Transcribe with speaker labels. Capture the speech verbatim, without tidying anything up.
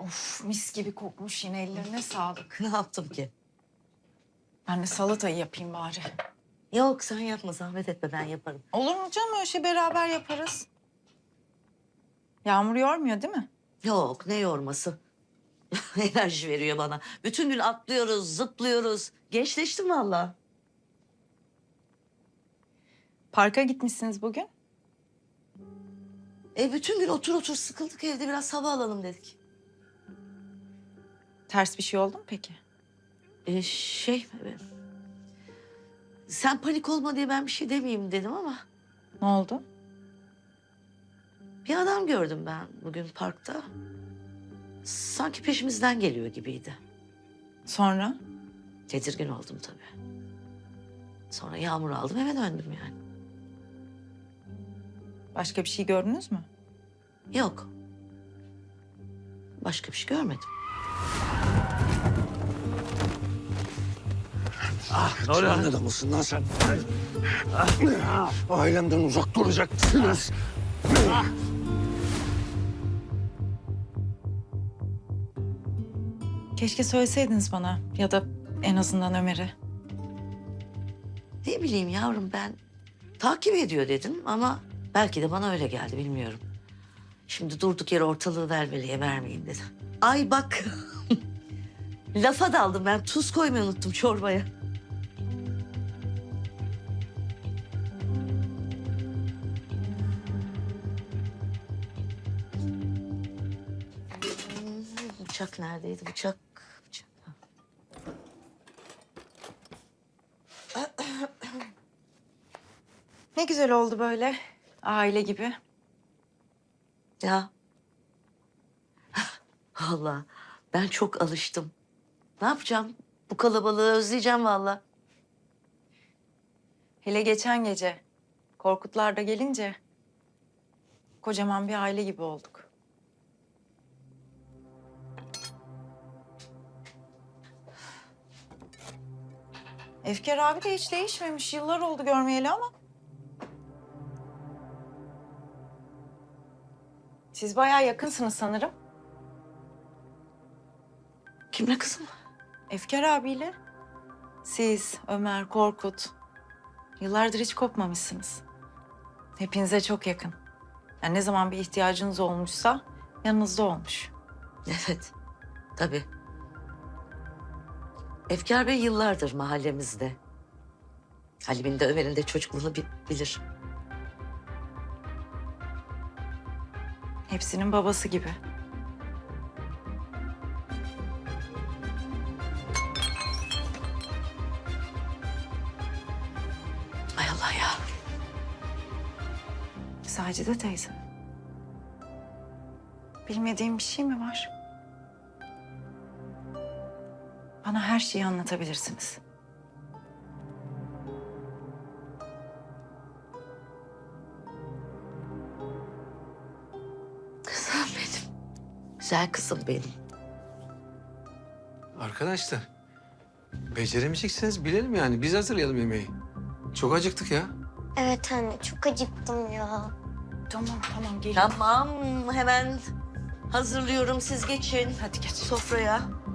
Speaker 1: Of, mis gibi kokmuş yine, ellerine sağlık.
Speaker 2: Ne yaptım ki?
Speaker 1: Ben de salatayı yapayım bari.
Speaker 2: Yok sen yapma, zahmet etme, ben yaparım.
Speaker 1: Olur mu canım, öyle şey beraber yaparız. Yağmur yormuyor değil mi?
Speaker 2: Yok, ne yorması. Enerji veriyor bana. Bütün gün atlıyoruz, zıplıyoruz. Gençleştim vallahi.
Speaker 1: Parka gitmişsiniz bugün.
Speaker 2: E bütün gün otur otur sıkıldık evde, biraz hava alalım dedik.
Speaker 1: Ters bir şey oldu mu peki?
Speaker 2: E şey... e, Sen panik olma diye ben bir şey demeyeyim dedim ama...
Speaker 1: Ne oldu?
Speaker 2: Bir adam gördüm ben bugün parkta. Sanki peşimizden geliyor gibiydi.
Speaker 1: Sonra?
Speaker 2: Tedirgin oldum tabii. Sonra yağmur aldım, eve döndüm yani.
Speaker 1: Başka bir şey gördünüz mü?
Speaker 2: Yok. Başka bir şey görmedim.
Speaker 3: Ah, ne oluyor? Sen adamısın lan sen? Ah, ailemden uzak duracaksınız. Ah.
Speaker 1: Keşke söyleseydiniz bana ya da en azından Ömer'e.
Speaker 2: Ne bileyim yavrum, ben takip ediyor dedim ama belki de bana öyle geldi, bilmiyorum. Şimdi durduk yere ortalığı velveleye vermeyin dedi. Ay bak, lafa daldım ben, tuz koymayı unuttum çorbaya. Hmm, Bıçak neredeydi, bıçak? Bıçak.
Speaker 1: Ne güzel oldu böyle, aile gibi.
Speaker 2: Ya. Vallahi ben çok alıştım. Ne yapacağım? Bu kalabalığı özleyeceğim vallahi.
Speaker 1: Hele geçen gece Korkutlar da gelince kocaman bir aile gibi olduk. Efkar abi de hiç değişmemiş. Yıllar oldu görmeyeli ama. Siz bayağı yakınsınız sanırım.
Speaker 2: Kimle kızım?
Speaker 1: Efkar abiyle. Siz, Ömer, Korkut. Yıllardır hiç kopmamışsınız. Hepinize çok yakın. Yani ne zaman bir ihtiyacınız olmuşsa yanınızda olmuş.
Speaker 2: Evet, tabii. Efkar Bey yıllardır mahallemizde. Halim'in de Ömer'in de çocukluğunu bi- bilir.
Speaker 1: Hepsinin babası gibi.
Speaker 2: Ay Allah ya.
Speaker 1: Sacide teyze. Bilmediğim bir şey mi var? Bana her şeyi anlatabilirsiniz.
Speaker 2: Kızım benim. Güzel kızım benim.
Speaker 3: Arkadaşlar, beceremeyeceksiniz bilelim yani. Biz hazırlayalım yemeği. Çok acıktık ya.
Speaker 4: Evet anne, çok acıktım ya.
Speaker 1: Tamam tamam geliyorum.
Speaker 2: Tamam, hemen hazırlıyorum. Siz geçin.
Speaker 1: Hadi geç.
Speaker 2: Sofraya.